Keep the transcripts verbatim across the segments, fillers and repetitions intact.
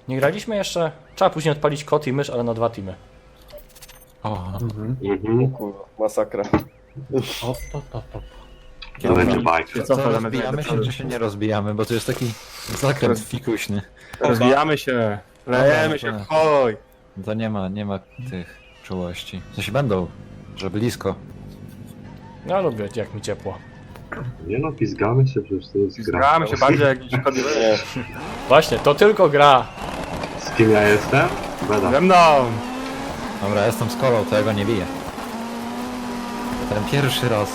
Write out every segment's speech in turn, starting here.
Nie graliśmy jeszcze? Trzeba później odpalić kot i mysz, ale na dwa teamy. O, Mhm. Mhm. Kurwa, masakra. o, to, to, to. To będzie bajka. Co, co rozbijamy się, czy się nie rozbijamy? Bo to jest taki zakręt fikuśny. Rozwijamy się, lejemy się, Dobra. hoj! To nie ma, nie ma tych czułości. W sensie będą, że blisko. Ja lubię, jak mi ciepło. Nie no, pizgamy się, przecież to jest gra. Zgramy się bardziej jak niż kody. Nie. Właśnie, to tylko gra. Z kim ja jestem? Beda. Ze mną! Dobra, jestem z kolą, to ja go nie biję. Ten pierwszy raz.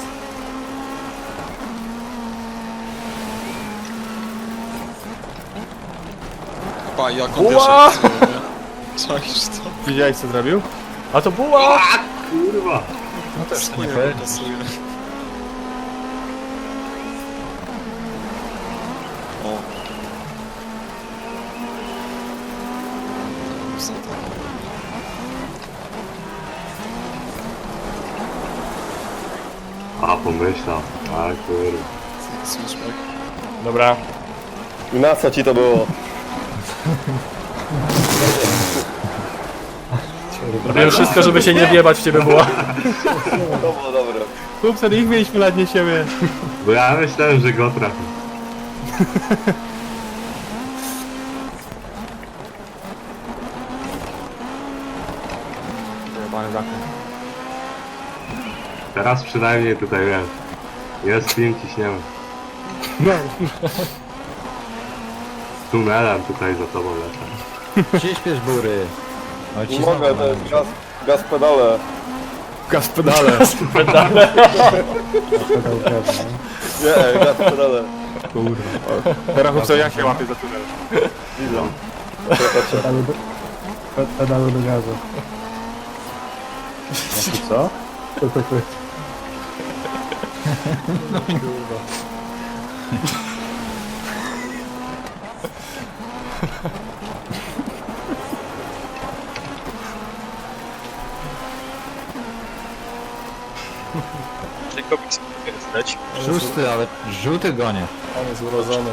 Pa, jak on Ua! wiesz, czaisz to? Widziałeś co zrobił? A to była! Kurwa! No też to nie Chuj, fair. pasuje. O. Co to? A, pomyślał. A, kurwa. Switchback. Dobra. I na co ci to było? Robiłem wszystko, żeby się nie wjebać w ciebie była. To było dobre. Kupce, ich mieliśmy lat nie siebie. Bo ja myślałem, że go trafi. Jebany zakręt. Teraz przynajmniej tutaj wiem. Jest film, ciśniemy. No, Z tunelem tutaj za tobą lecę. Przyśpiesz bury. O, ci Nie mogę, znowu to jest mam. gaz, gaz pedale. gaz pedale. Pedale. Nie, gaz pedale. Kurwa. Teraz chłopco, jak się łapie za tunel? Widzą. Pedały do, pe, pedały do gazu. Co? To to to. Szósty, ale żółty gonie. On jest urodzony.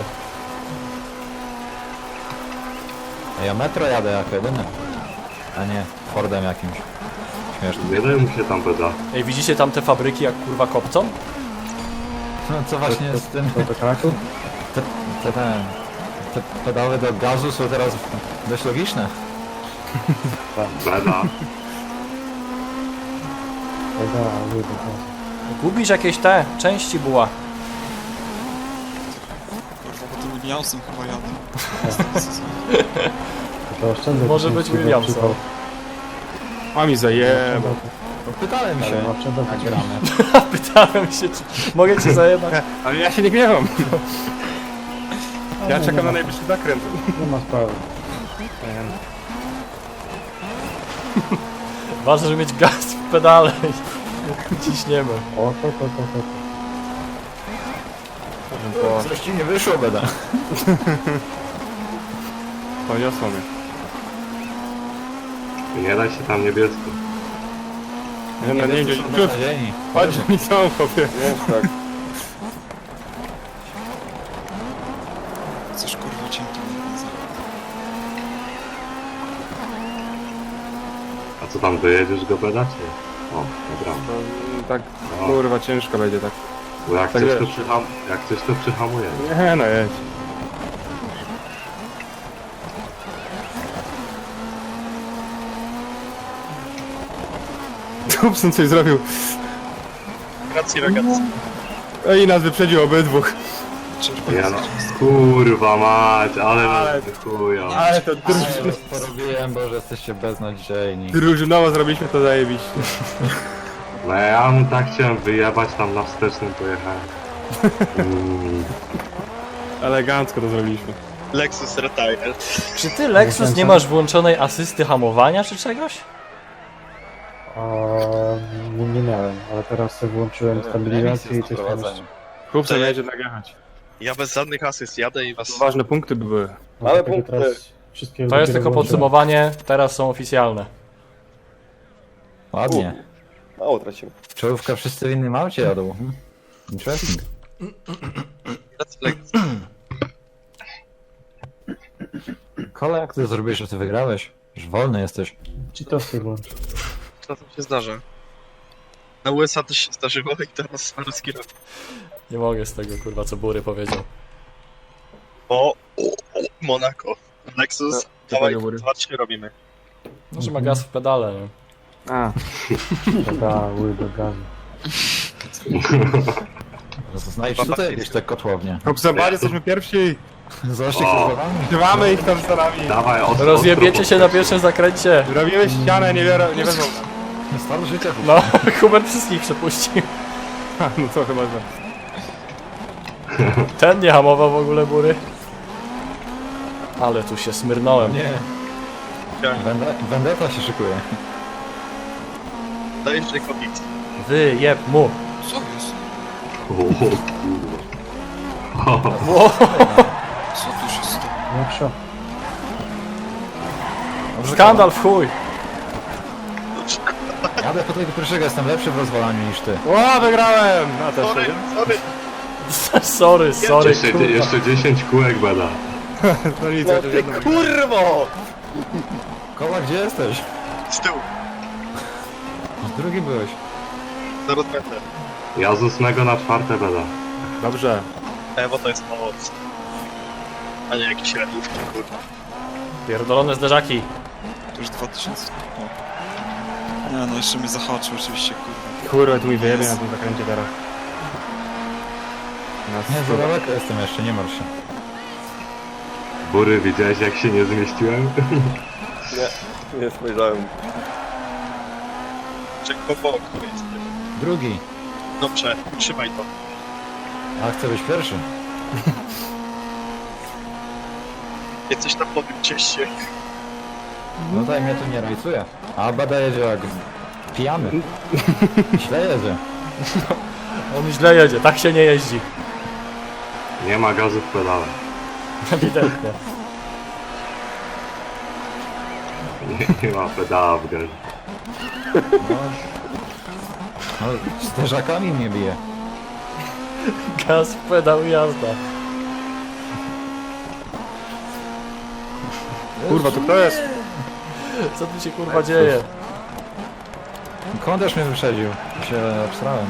A ja metro jadę jako jedyny. A nie, Fordem jakimś. Śmieszny. Nie daj mu się tam beda. Ej, widzicie tam te fabryki jak kurwa kopcą? No co właśnie z tym... To do kraku? Te, te, te, te pedały do gazu są teraz dość logiczne. Beda. Pedały do gazu. Gubisz jakieś te części była. Kurwa, bo tym Williamsem chyba jadę. To oszczędzę. Może być tysięcy Williamson. przypał. A mi zajebał. No, pytałem się, Ale oszczędzę jak tysięcy. gramy. Pytałem się, czy mogę cię zajebać. Ale ja się nie gniewam. Ja czekam na najbliższy zakręt. Nie ma sprawy. Ważne, żeby mieć gaz w pedale. Ciśniemy. O, to, to, to, to. to. Coś ci nie wyszło, beda. Poniosło mnie. Nie daj się tam niebiesko. Nie, no nie, nie, są nie. beznadziejni. Chodź mi są, chłopie. Nie, tak. Coś kurwa cienki nie widzę. A co tam, dojedziesz go beda, czy nie? O, dobra. No, tak, kurwa, ciężko będzie tak. Bo jak Tak coś to wiesz. przyham... Jak coś to przyhamuje. Nie, no jedź. Kupson coś zrobił. Grazie ragazzi. No i nas wyprzedził obydwóch. Czerwony Ja no, zakręt. kurwa mać, ale Ale- nas wychują. Ale to Ale druż... was porobiłem, bo że jesteście beznadziejni. drużynowo zrobiliśmy to zajebiście. No ja mu tak chciałem wyjebać, tam na wstecznym pojechałem. Mm. Elegancko to zrobiliśmy. Lexus Retire. Czy ty, Lexus, nie masz włączonej asysty hamowania czy czegoś? O, nie, nie miałem, ale teraz sobie włączyłem stabilizację i coś tam jeszcze. Chłopca będzie nagrywać. Ja bez żadnych asyst jadę i was... Ważne punkty by były. No, Ale dlatego punkty. teraz wszystkie To jest dopiero tylko włączyłem. podsumowanie, teraz są oficjalne. Ładnie. Mało tracimy. Czołówka wszyscy w innym aucie jadą. Hmm. Interesting. Kola, jak ty zrobiłeś, że ty wygrałeś? Już wolny jesteś. Ci to sobie włącz. Czasem się zdarza. Na U S A też się zdarzyło i teraz ruski rok. Nie mogę z tego, kurwa, co Bury powiedział. O, o, o, Monaco. Lexus, dawaj, tego Bury? dwa, trzy robimy. No, że ma gaz w pedale, nie? A, Pedały do gazu. No to znajdź tutaj jakieś te kotłownie. Hop, zobacz, jesteśmy pierwsi. Zobaczcie, O. kto za wami. Trzymamy ich tam za nami. Dawaj, ostro, Rozjebiecie ostro się na pierwszym zakręcie. Robimy ścianę, nie, biorą, nie wezmą. Stan życia. No, Hubert wszystkich przepuścił. Ha, no co chyba, że... Ten nie hamował w ogóle, Bury. Ale tu się smyrnąłem. Nie. Wende- Vendetta się szykuje. Dajesz Jacobic. Wyjeb mu. Co jest? O kurwa. Ło. Co tu się stało? Jak szok. Skandal w chuj. Jadę po tego pierwszego, jestem lepszy w rozwalaniu niż ty. O, wygrałem! A też Sorry, nie? sorry. Sorry, sorry, Jeszcze, kurwa. jeszcze dziesięć kółek bada. No nic, No chociaż ty jedno. kurwo! Kola, gdzie jesteś? Z tyłu. Drugi byłeś. Zaraz będę. Ja z ósmego na czwarte bada. Dobrze. E, bo to jest moc. A nie jakiś radiówki, kurwa. Pierdolone zderzaki. To już dwa tysiące. O. Nie, no jeszcze mnie zahaczył oczywiście, kurwa. Kurwa, tu mi wyjebie na tym zakręcie teraz. No, Nie, za daleko jestem jeszcze, nie martw się. Bury, widziałeś jak się nie zmieściłem? Nie, nie spojrzałem. Czek po boku jest. Drugi. Dobrze, trzymaj to. A chcę być pierwszy. Jesteś tam po tym cieście. No tutaj mnie tu nie rajcuje. A Bada jedzie jak pijany. Źle jedzie. On źle jedzie, tak się nie jeździ. Nie ma gazu w pedale. Ewidentnie. Nie, nie ma pedała w gazie. No, no z teżakami mnie bije. Gaz w pedał i jazda. Kurwa, to kto jest? Co tu się kurwa dzieje? Kąderz mnie wyprzedził. Się obstrałem.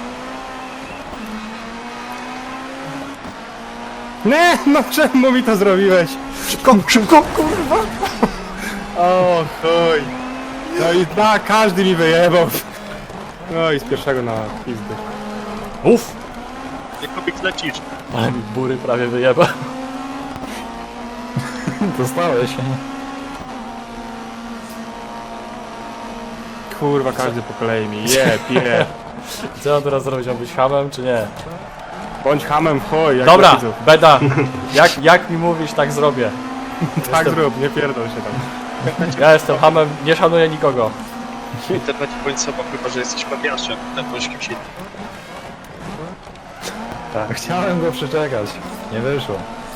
Nie, no czemu mi to zrobiłeś? Szybko, szybko, kurwa! O, chuj. No i da, każdy mi wyjebał. No i z pierwszego na pizdy. Uff! Jacobic lecisz. Ale mi Bury prawie wyjeba. Dostałeś. Kurwa, każdy po kolei mi jeb, jeb. Co on teraz zrobić? Mam być hamem, czy nie? Bądź hamem, chuj, jak Dobra, do widzów. Beda. Jak, jak mi mówisz, tak zrobię. Tak jestem- zrób, nie pierdol się tam. Ja jestem hamem, nie szanuję nikogo. W internecie bądź sobą, chyba że jesteś papiaszem. Ten bądź kimś innym. Chciałem go przeczekać. Nie wyszło.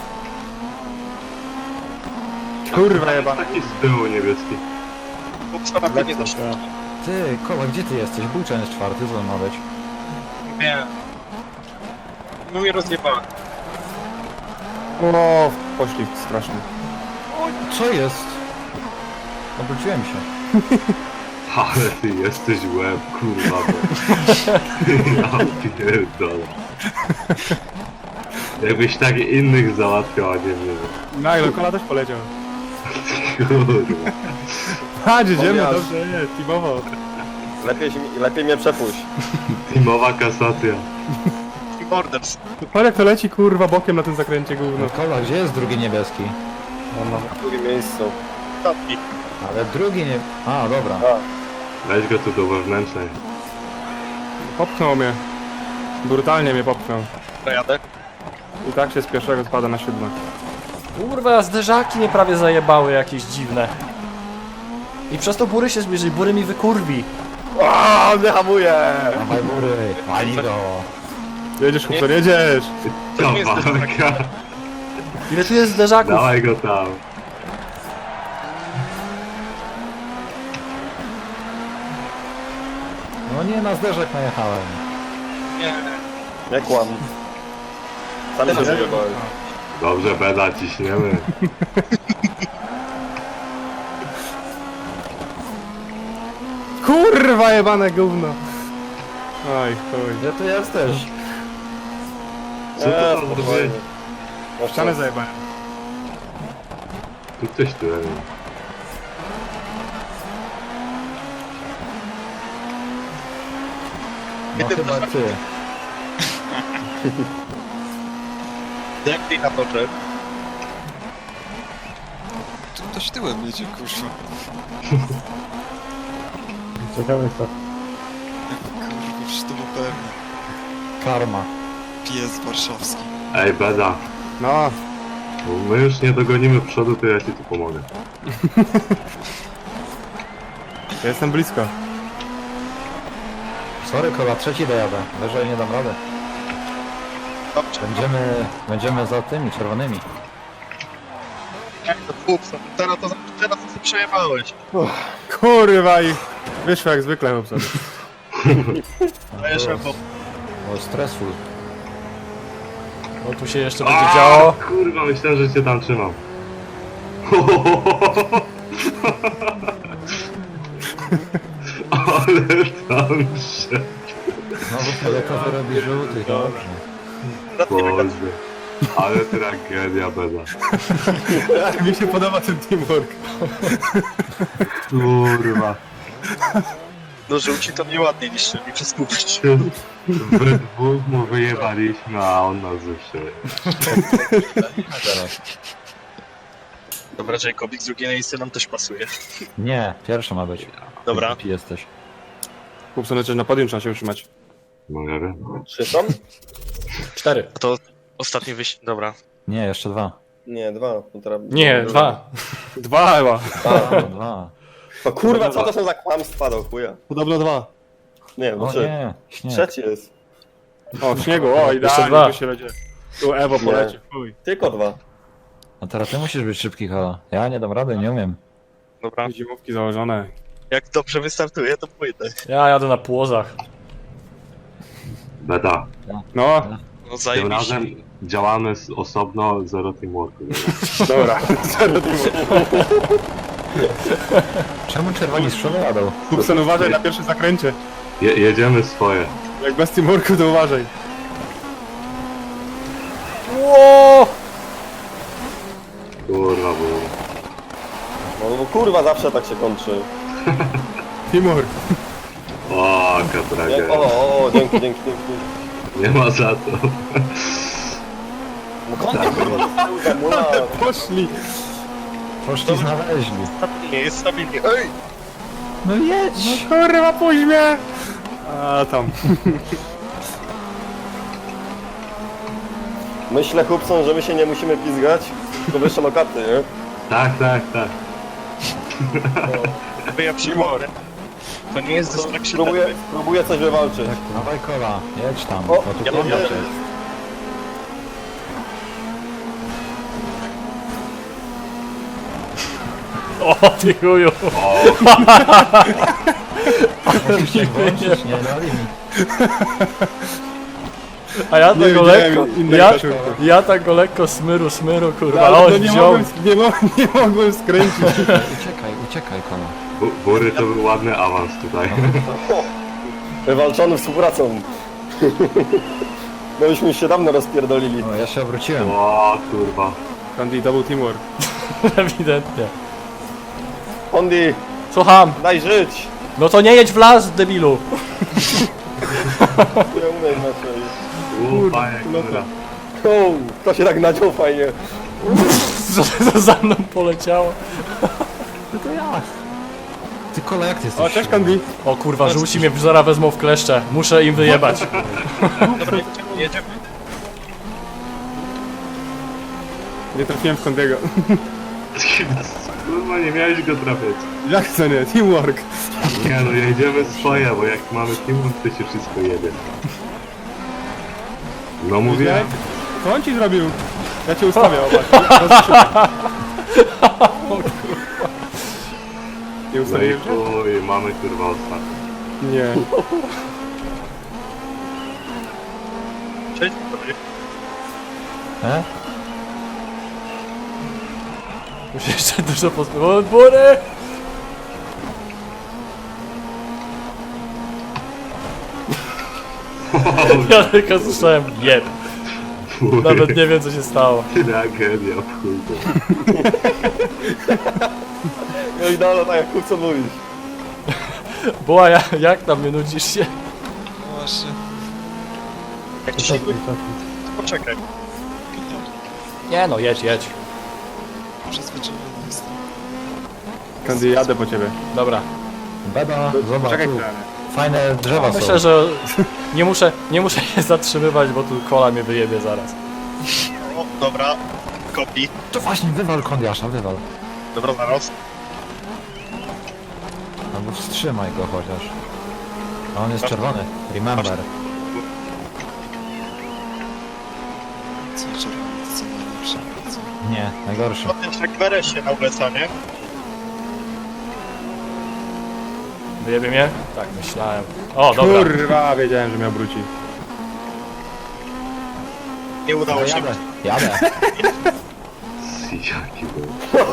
Kurwa jeba. Taki z tyłu niebieski. Bo na nie da się. Ty, Kola, gdzie ty jesteś? Buczan jest czwarty, co on ma być? Nie. No mnie rozjebałem. O, poszli strasznie. Co jest? Obróciłem się. Ale ty jesteś łeb, kurwa. Bo... Ja pierdolę. Jakbyś tak innych załatwiał, a nie mnie. Nagle, kola też poleciał. Kurwa. Chodź, idziemy, Powiasz. dobrze, nie, teamowo. Lepiej, lepiej mnie przepuść. Teamowa kasacja. Team Orders. Patrz jak to leci, kurwa, bokiem na tym zakręcie gówno. No Kola, gdzie jest drugi niebieski? W drugim miejscu. Tapki. Ale drugi nie... A, dobra. Weź go tu do wewnętrznej. Popchnął mnie. Brutalnie mnie popchnął. Jadę. I tak się z pierwszego spada na siódme. Kurwa, zderzaki mnie prawie zajebały jakieś dziwne. I przez to Bury się zbliży, Bury mi wykurwi. O, nie hamuje! Dawaj Bury, pali go. Jedziesz, chłopco, jedziesz! To nie jest też Kawałka. Ile tu jest zderzaków? Dawaj go tam. No nie, na zderzak najechałem. Nie. Nie kłam. Sam się wyjebałeś. Dobrze, Beda, ciśniemy. kurwa jebane gówno. Oj, chuj. Gdzie ty jesteś? Co to Eee, tam spokojnie. zrobiłeś? No Ścianę co? zajebałem. Tu ktoś tu jest. No chyba ty. Jak ty na toczek? Tu ktoś tyłem jedzie, kurwa. Ciekawe jest to. Kurwa, przecież to był pewnie. Karma. Pies warszawski. Ej, Beda, No, bo my już nie dogonimy przodu, to ja ci tu pomogę. ja jestem blisko. Sorry kola, trzeci dojadę. Wyżej nie dam rady. Dobrze, Będziemy, będziemy za tymi czerwonymi. jak to chłopca. Teraz to teraz to sobie przejebałeś. Kurwa i wyszło jak zwykle chłopca. A jeszcze bo O, stresu. No tu się jeszcze będzie działo. Kurwa, myślałem, że cię tam trzymam. Ale tam się... Znowu fioletowy robi żółty, dobrze. Boże. Ale tragedia, Beda. Mi się podoba ten teamwork. Kurwa. no żółci to nieładnie niszczyli przez kupczyć. We dwóch mu wyjebaliśmy, a on nas zepsuje. Teraz. Dobra, Jacobik, drugie miejsce nam też pasuje. Nie, pierwsza ma być. Dobra. Głupi jesteś. Chłopca, lecieć na podium trzeba się utrzymać. No nie wiem. Trzy są? Cztery. A to ostatni wyścig. Dobra. Nie, jeszcze dwa. Nie, dwa. No teraz... Nie, dwa. Dwa chyba. O, dwa. O kurwa, co to są za kłamstwa do chuja? Podobno dwa. Nie, no O trzy. nie, śnieg. Trzeci jest. O, w śniegu, o Jeszcze dwa. idealnie tu się będzie. Tu Ewo Nie. poleci, chuj. Tylko dwa. A teraz ty musisz być szybki, kola. Ja nie dam rady, nie umiem. Dobra. Zimówki założone. Jak dobrze wystartuję, to pójdę. Ja jadę na płozach. Beda. No, No Tym zajebiście. razem działamy z osobno, zero teamworku. dobra. Zero teamwork. Czemu czerwoni z przodu jadą? Kupson, uważaj na pierwszym zakręcie. Je jedziemy swoje. Jak bez teamworku, to uważaj. Ło! Kurwa, było. No bo kurwa, zawsze tak się kończy. Teamwork. O, jaka Jak, tragedia. o, o, o, dzięki, dzięki, dzięki. Nie ma za to. No kończy kurwa, za mula. Poszli. Poszli znaleźli. Nie jest stabilnie. Ej! No jedź! Kurwa, puść mnie! A tam. Myślę, chłopcom, że my się nie musimy pizgać, tylko wyższe lokaty, nie? Tak, tak, tak. Jakby ja przyjmowałem. To nie jest dystrakcja. Próbuję, próbuję coś wywalczyć. Dawaj kola, jedź tam. O, O, tu ja kola mówię- jest. O ty chuju. Musisz się włączyć, nie dali mi. A ja Nie tak go widziałem lekko, innej ja, koszulki. ja tak go lekko smyru, smyru, kurwa, Ale o, to nie wziął. mogłem, nie, mo nie mogłem skręcić. Uciekaj, uciekaj kola. Bu- Bury to był ładny awans tutaj. O, wywalczony współpracą. No byśmy już się dawno rozpierdolili. O, ja się obróciłem. O, kurwa. Candy, to był teamwork. Ewidentnie. Hondi, Słucham. daj żyć! No to nie jedź w las, debilu. Ja umiem inaczej. U, panie, no kurwa. O, to się tak nadział fajnie. Co to za mną poleciało? To ja. Ty kola, jak ty jesteś? O, cześć Candy. O kurwa, żółci mnie zaraz wezmą w kleszcze. Muszę im wyjebać. Dobra, jedziemy. Nie trafiłem w Candy'ego. Kurwa, nie miałeś go trafiać. Jak to nie? Teamwork. Nie no, jedziemy swoje, bo jak mamy teamwork, to się wszystko jebie. No mówię. Co on ci zrobił? Ja cię ustawię, zobacz. Nie No i ustawiłem cię? chuj, mamy kurwa ostatni. Nie. Cześć, dobry. E? Muszę jeszcze dużo pospływać. O, bury! Ja tylko słyszałem jeb. Nawet nie wiem co się stało. Tragedia, w chuj. No i dalej, tak jak co mówisz. Była ja, jak tam nie nudzisz się? No właśnie. Jak ci się Cofnij, cofnij. poczekaj. Nie no, jedź, jedź. Przyzwyczajony jestem. Kandy, jadę po ciebie. Dobra. Beda, zobacz, Czekaj tu chwilę. fajne drzewa są. Myślę, że nie muszę, nie muszę się zatrzymywać, bo tu kola mnie wyjebie zaraz. O, dobra. Kopi. To właśnie, wywal kondiasza, wywal. Dobra, zaraz. Albo wstrzymaj go chociaż. A on jest czerwony. Remember. Co czerwony, to co najlepsze. Co? Nie, najgorszy. No też jak w R S ie na U S A, nie? Wyjebie mnie? Tak, myślałem. O, dobra. Kurwa, wiedziałem, że mnie obróci. Nie udało No, się. jadę, jadę. Jaki był.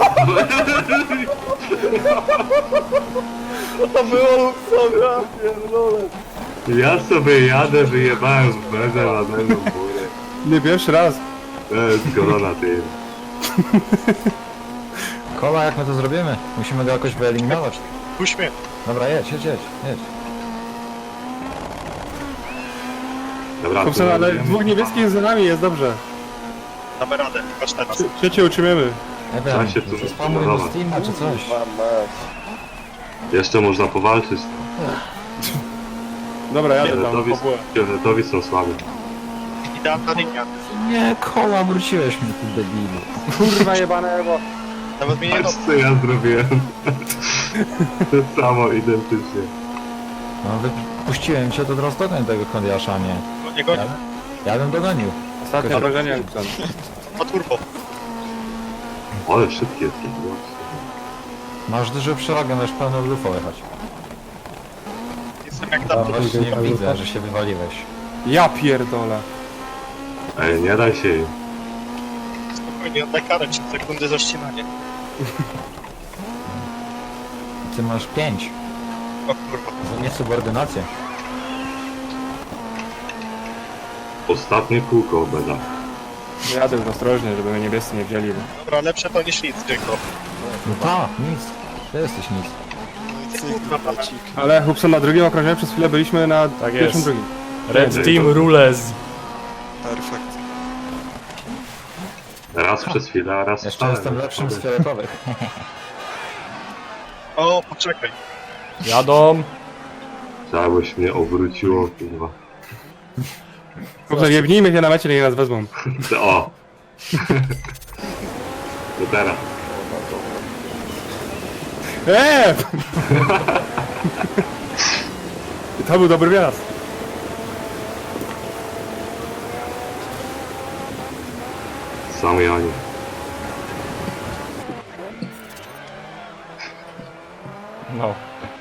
To było Luxora, pierdolę. Ja sobie jadę, wyjebałem w bezę ładnego górę. Nie pierwszy raz. To jest korona ty. Kola, jak my to zrobimy? Musimy go jakoś wyeliminować. Puść mnie. Dobra, jedź, jedź, jedź, jedź. Dobra, Kupson, to ale robimy. dwóch niebieskich za nami jest dobrze. Damy radę. Patrz teraz. Trzecie utrzymiemy. Nie Trzeba wiem, się tu- czy spamuj no do dobra. Steama czy coś. Mam mać. Jeszcze można powalczyć. Dobra, jadę tam, Fioletowi, po bułę. fioletowi są słabi. Idealna linia. Nie, Kola, wróciłeś mnie tu debilu. Kurwa jebane, bo... Nawet mnie nie Patrz co ja zrobiłem. To samo identycznie. No, wypuściłem cię, to teraz dogoń tego kondiasza, nie. no, nie goni. Ja, ja bym dogonił. Ostatnie obrażenie, Kupson. Ma turbo. Ale szybki jest ten głos. Masz dużo przewagę, możesz pełną lufą jechać. Jestem jak No tam. właśnie widzę, że się wywaliłeś. Ja pierdolę. Ej, nie daj się im. Spokojnie, oddaj karę, trzy sekundy za ścinanie. Ty masz pięć. O kurwa. Za niesubordynację. Ostatnie kółko beda. Jadę już ostrożnie, żeby mnie niebiescy nie wzięli. Bo... Dobra, lepsze to niż nic, tylko. No ta, nic. Ty jesteś nic. No i cyk, Kurwa, bacik. Ale Hubson, na drugim okrążeniu przez chwilę byliśmy na Tak pierwszym, jest. drugim. Red Team Rules. Perfekt. Raz przez chwilę, a raz Jeszcze wcale. jestem lepszym z fioletowych. O, poczekaj. Jadą. Trzeba byś mnie obróciło, kurwa. Hubson, jebnijmy się na mecie, niech nas wezmą. O! To teraz. Eee! To był dobry wjazd. Sam Janie. No.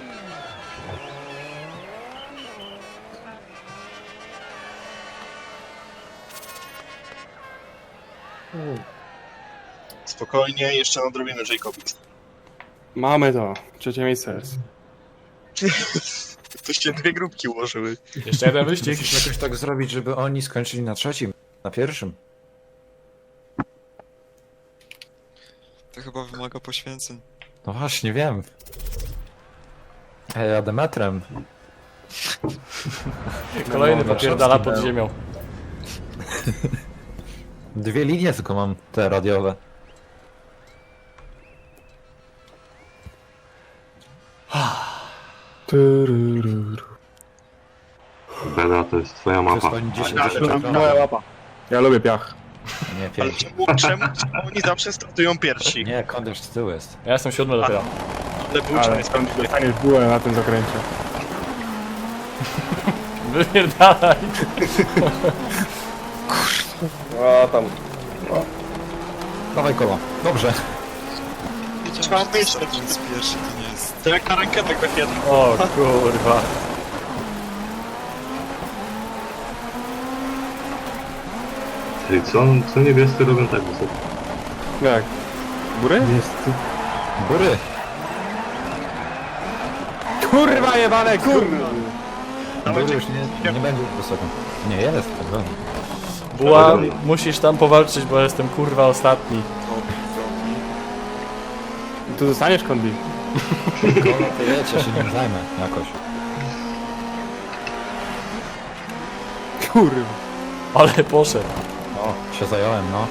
Spokojnie, jeszcze nadrobimy Jacobix. Mamy to. Trzecie miejsce jest. To się dwie grupki ułożyły. Jeszcze jeden wyścig. Musisz jakoś tak zrobić, żeby oni skończyli na trzecim, na pierwszym. To chyba wymaga poświęceń. No właśnie, wiem. A ja jadę metrem. Kolejny No, popierdala pod Warszawski ziemią. Dwie linie tylko mam, te radiowe. Beda to jest twoja mapa. Przysłoni dziesięć Ale tysięcy tam ekranów. Moja łapa. Ja lubię piach. Nie, Ale pięć. czemu, czemu, czemu oni zawsze startują pierwsi? Nie, kondiasz z tyłu jest. Ja jestem siódmy dopiero. Ale był Ale jest skąd dostaniesz bułę na tym zakręcie? Wypierdalaj. A tam. Dawaj Kola. Dobrze. Trzeba Wiedziałem, że myśleć. startując pierwszy to nie jest... To jak na rękę tak będzie. O kurwa. Ej, co, co niebiescy robią tak wysoko? Jak? Góry? Jest... Góry. Kurwa jebane, kurwa! Bury już nie, nie będzie wysoko. Nie, jest, tak dalej. Buła, musisz tam powalczyć, bo jestem kurwa ostatni. Topi, topi. Tu zostaniesz, Kondi. Kola to jedź, ja się nim zajmę jakoś. Kurwa. Ale poszedł. O, się zająłem, no.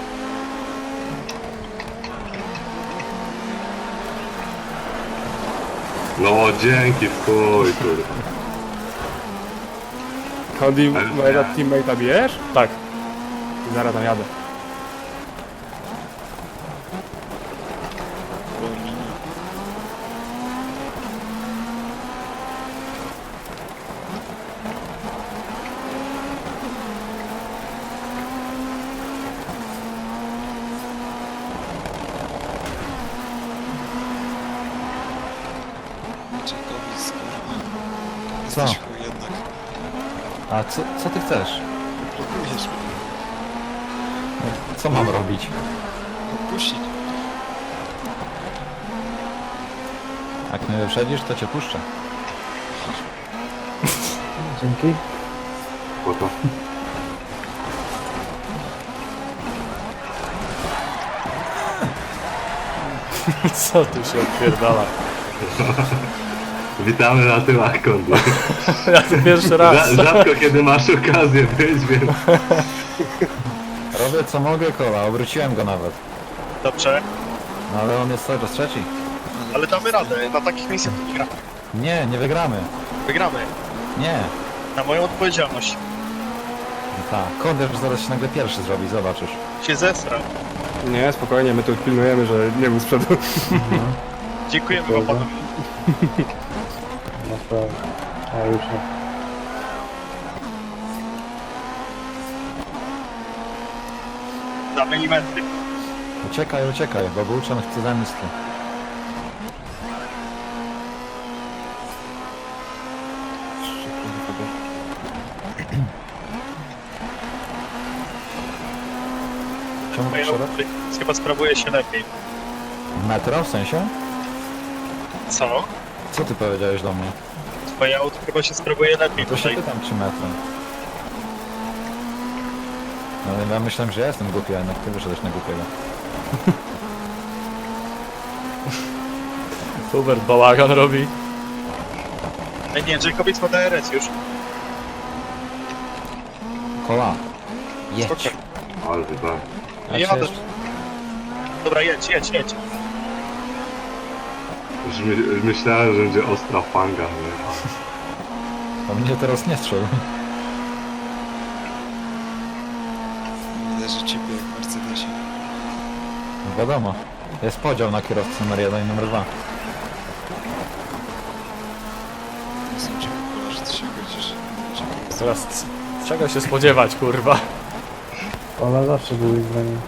No dzięki w chuj, kurwa. Kondi, Ale- mojego teammate'a bijesz? Tak. Zaraz tam jadę. Wolnini. Czekowic, kurwa. Co? Jesteś chuj jednak. A co, co ty chcesz? Blokujesz mnie. Co mam robić? Opuścić. Jak mnie wyprzedzisz, to cię puszczę. Dzięki. Po to. Co tu się odpierdala? Witamy na tyłach, Kondi. Ja to pierwszy raz. Rza- Rzadko kiedy masz okazję być, więc... Robię co mogę, Kola, obróciłem go nawet. Dobrze, No ale on jest cały czas trzeci. ale damy radę. Na takich miejscach to nie gramy. Nie, nie wygramy. Wygramy. Nie. Na moją odpowiedzialność. Tak, Koder zaraz się nagle pierwszy zrobi, zobaczysz. Się zesrał. Nie, spokojnie, my tu pilnujemy, że nie był z przodu. Dziękujemy wam panowie. Na sprawę. A już nie. Damy elementy. Uciekaj, uciekaj, bo Bułczan chce zemsty. Czemu Moja szereg? chyba sprawuje się lepiej. Metro w sensie? Co? Co ty powiedziałeś do mnie? Twoje auto chyba się sprawuje lepiej To się tutaj. pytam, czy metro. No ja myślałem, że ja jestem głupi, a jednak ty wyszedłeś na głupiego. Hubert bałagan robi. Ej, nie, Jacobic ma D R S już. Kola, jedź. Spoko. Ale tak. Ja Ja się jadę. jeszcze... Dobra, jedź, jedź, jedź. Już my, myślałem, że będzie ostra fanga, nie? To mnie teraz nie strzel. Widać, że chipy jak w Mercedesie. Wiadomo. Jest podział na kierowcę numer jeden i numer dwa. Nie są chipy, pola, że ty się godzisz. Chipy. Teraz c- czego się spodziewać, kurwa? Ona zawsze był zdaniem.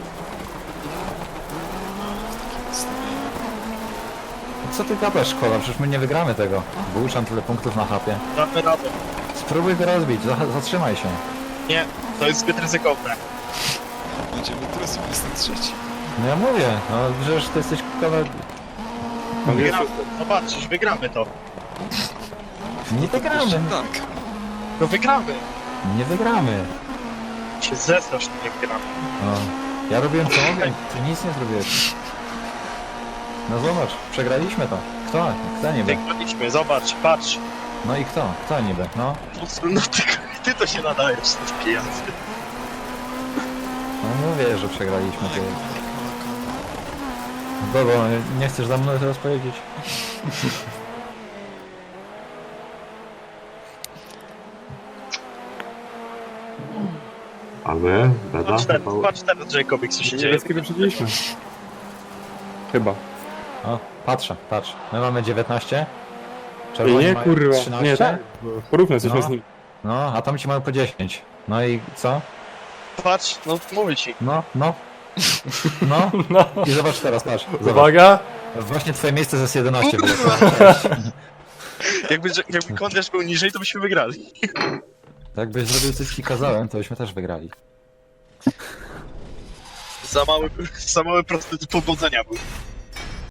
Odstawienie. Co ty gadasz, Kola? Przecież my nie wygramy tego. Bułczan tyle punktów na chapie. Damy radę. Spróbuj go rozbić, za- zatrzymaj się. Nie, to jest zbyt ryzykowne. Będziemy druzim, jestem trzeci. No ja mówię, no przecież ty jesteś Kola... Wygramy. Zobaczysz, wygramy to. Nie wygramy. Dank. No wygramy. Nie wygramy. Się zesrasz, nie wygramy. No. Ja robiłem co mogłem, ty nic nie zrobiłeś. No zobacz, przegraliśmy to. Kto? Kto niby? Wygraliśmy, zobacz, patrz. No i kto? Kto niby? No. No ty, ty to się nadajesz, to taki jazdy. No mówię, że przegraliśmy. Ty. Kola, kola. Bobo, nie chcesz za mną teraz powiedzieć? A my? Beda? Patrz teraz, Chyba- patrz teraz, Jacobic, co się dzieje. Niebieskie wyprzedziliśmy. Chyba. O, patrzę, patrz. My mamy dziewiętnaście. Ej, Czerwoni nie, mają kurwa. trzynaście. Nie, tak. Porównaj jesteśmy No. z nim. No, a tam ci mają po dziesięć. No i co? Patrz, no mówię ci. No, no. No. No. I zobacz teraz, patrz. Zobacz. Uwaga! Właśnie twoje miejsce z jedenaście było. Jakby, jakby Kondiasz był niżej, to byśmy wygrali. Jakbyś zrobił coś, co ci kazałem, to byśmy też wygrali. Za mały, za mały prosty powodzenia był.